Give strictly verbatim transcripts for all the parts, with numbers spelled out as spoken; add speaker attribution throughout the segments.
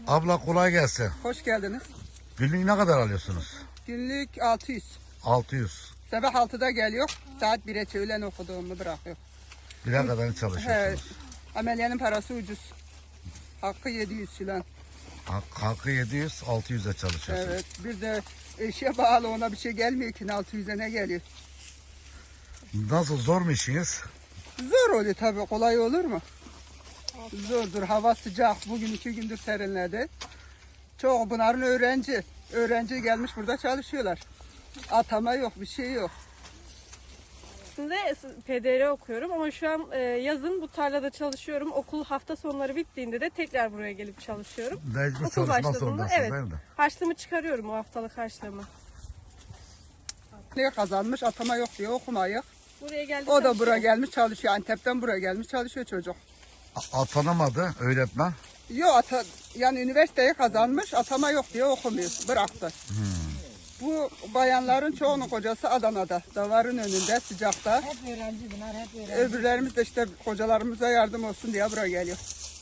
Speaker 1: Abla kolay gelsin.
Speaker 2: Hoş geldiniz.
Speaker 1: Günlük ne kadar alıyorsunuz?
Speaker 2: Günlük altı yüz.
Speaker 1: altı yüz.
Speaker 2: Sabah altıda geliyor. Saat bire öğlen okuduğumu bırakıyor.
Speaker 1: Bire kadar
Speaker 2: He,
Speaker 1: çalışıyorsunuz.
Speaker 2: ameliyanın parası ucuz. Hakkı yedi yüz filan.
Speaker 1: Hak- Hakkı yedi yüz, altı yüze çalışıyorsunuz.
Speaker 2: Evet. Bir de eşe bağlı, ona bir şey gelmiyor ki altı yüze ne geliyor?
Speaker 1: Nasıl, zor mu işiniz?
Speaker 2: Zor oluyor tabii, kolay olur mu? Zordur. Hava sıcak. Bugün iki gündür serinledi. Çok bunların öğrenci. Öğrenci gelmiş burada çalışıyorlar. Atama yok, bir şey yok.
Speaker 3: Aslında P D R okuyorum ama şu an e, yazın bu tarlada çalışıyorum. Okul hafta sonları bittiğinde de tekrar buraya gelip çalışıyorum.
Speaker 1: Mecbur
Speaker 3: Okul
Speaker 1: çalışmak
Speaker 3: başladığında
Speaker 1: zorundasınız
Speaker 3: evet,
Speaker 1: değil mi?
Speaker 3: harçlığımı çıkarıyorum, o haftalık harçlığımı.
Speaker 2: Ne kazanmış, atama yok diye okumayı.
Speaker 3: Buraya geldi
Speaker 2: O da
Speaker 3: çalışıyorum.
Speaker 2: buraya gelmiş çalışıyor. Antep'ten buraya gelmiş çalışıyor çocuk.
Speaker 1: A- Atanamadı öğretmen.
Speaker 2: Yok ata, yani üniversiteyi kazanmış, atama yok diye okumuyor. Bıraktı. Bu bayanların çoğunun kocası Adana'da. Davarın önünde, sıcakta.
Speaker 4: Hep öğrenci bunlar, hep öğrenci.
Speaker 2: Öbürlerimiz de işte kocalarımıza yardım olsun diye buraya geliyor.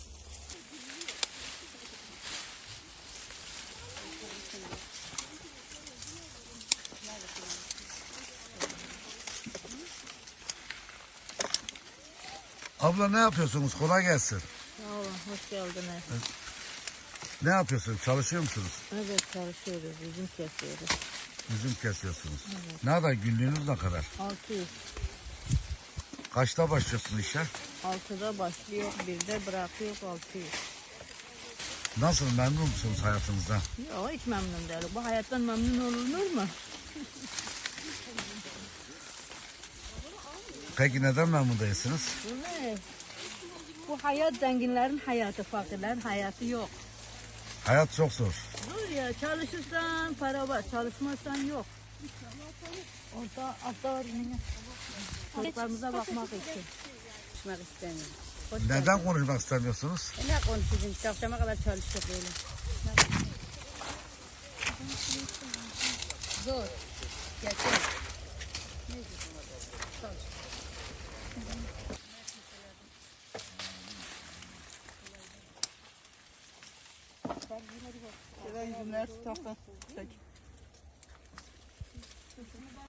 Speaker 1: Abla ne yapıyorsunuz? Kolay gelsin.
Speaker 4: Sağ olun, hoş geldiniz.
Speaker 1: Ne yapıyorsunuz? Çalışıyor musunuz?
Speaker 4: Evet, çalışıyoruz, üzüm kesiyoruz.
Speaker 1: Üzüm kesiyorsunuz. Ne kadar, günlüğünüz ne kadar?
Speaker 4: altı yüz.
Speaker 1: Kaçta başlıyorsunuz işe?
Speaker 4: altıda başlıyor, birde bırakıyor altı yüz.
Speaker 1: Nasıl, memnun musunuz hayatınızdan?
Speaker 4: Yok, hiç memnun değilim. Bu hayattan memnun olunur mu?
Speaker 1: Peki neden memnun değilsiniz?
Speaker 4: Bu ne? Bu hayat zenginlerin hayatı, fakirlerin hayatı yok.
Speaker 1: Hayat çok zor.
Speaker 4: Dur ya, çalışırsan para var, çalışmazsan yok. Orada altta var yine. Çocuklarımıza bakmak için.
Speaker 5: Konuşmak istemiyorum.
Speaker 1: Neden konuşmak istemiyorsunuz?
Speaker 5: E ne konuşayım? Akşama kadar çalışacak böyle. Zor. Gerçekten.
Speaker 2: Şöyle yüzümler tutakta.